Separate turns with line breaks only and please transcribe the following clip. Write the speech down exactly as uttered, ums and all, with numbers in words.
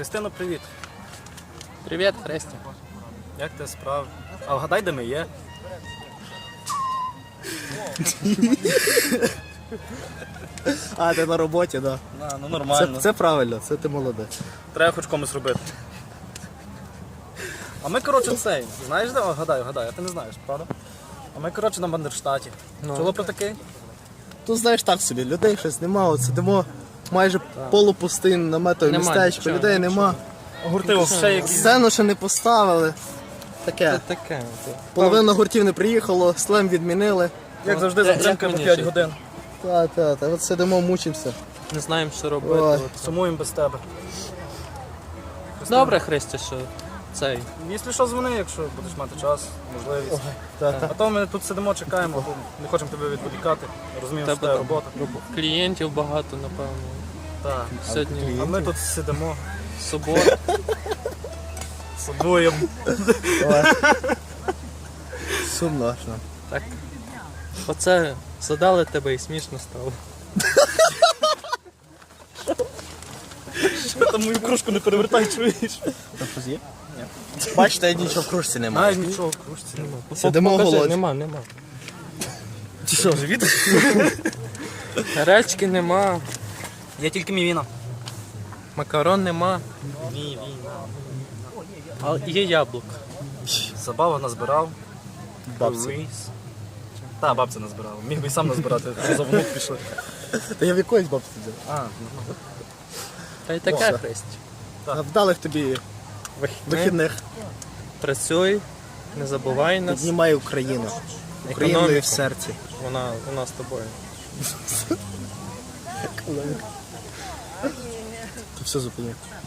Христино, привіт.
Привіт, Христя.
Як ти справи? А вгадай, де ми є?
А, ти на роботі, так.
На, ну
Да.
нормально.
Це, це правильно, це ти молодець.
Треба хоч комусь робити. А ми, коротше, цей. Знаєш де? О, гадаю, гадаю, а ти не знаєш, правда? А ми, коротше, на Бандерштаті.
Ну.
Чула про такий?
Тут знаєш так собі, людей щось нема, от сидимо майже полупустий наметове
Нема
містечко,
нічого,
людей нема.
Гурти ще якісь.
Сцену ще не поставили.
Це
Таке.
таке.
Половина гуртів не приїхало, слем відмінили.
Як завжди,
Як
затримка по
мені
п'ять
ще?
годин.
Та, та, та, от сидимо, мучимося.
Не знаємо, що робити.
Ой.
От.
Сумуємо без тебе.
Добре, Христя, що цей.
Якщо що, дзвони, якщо будеш мати час, можливість.
Та, та.
А то ми тут сидимо, чекаємо, бо не хочемо тебе відволікати. Розуміємо, що
Тебе
це
там
робота.
Клієнтів багато, напевно.
Так.
Сьогодні
А ми тут сидимо,
субота.
садуємо.
Ой. Сумно аж нам.
Так. Оце задали тебе і смішно стало.
Там мою кружку не перевертай, чуєш?
Там щось є? Ні. Бачите, нічого в кружці немає.
Навіть нічого в кружці нема.
Сидимо
Покажи,
голодні.
Нема, нема.
Ти що, живіт?
Гречки нема,
Є тільки мівіна.
макарон нема,
Мівіна.
а є яблук.
Забава назбирав.
Бабці.
Рис. Та, бабця назбирала. Міг би і сам назбирати, що за внук пішли.
Та я в якоїсь бабці сидів.
А,
Та й таке,
О,
Христя.
А вдалих тобі вихідних.
Працюй, не забувай нас.
Піднімай Україну. Україною
Економіку.
в серці.
Вона у нас з тобою.
Ти все зупинив.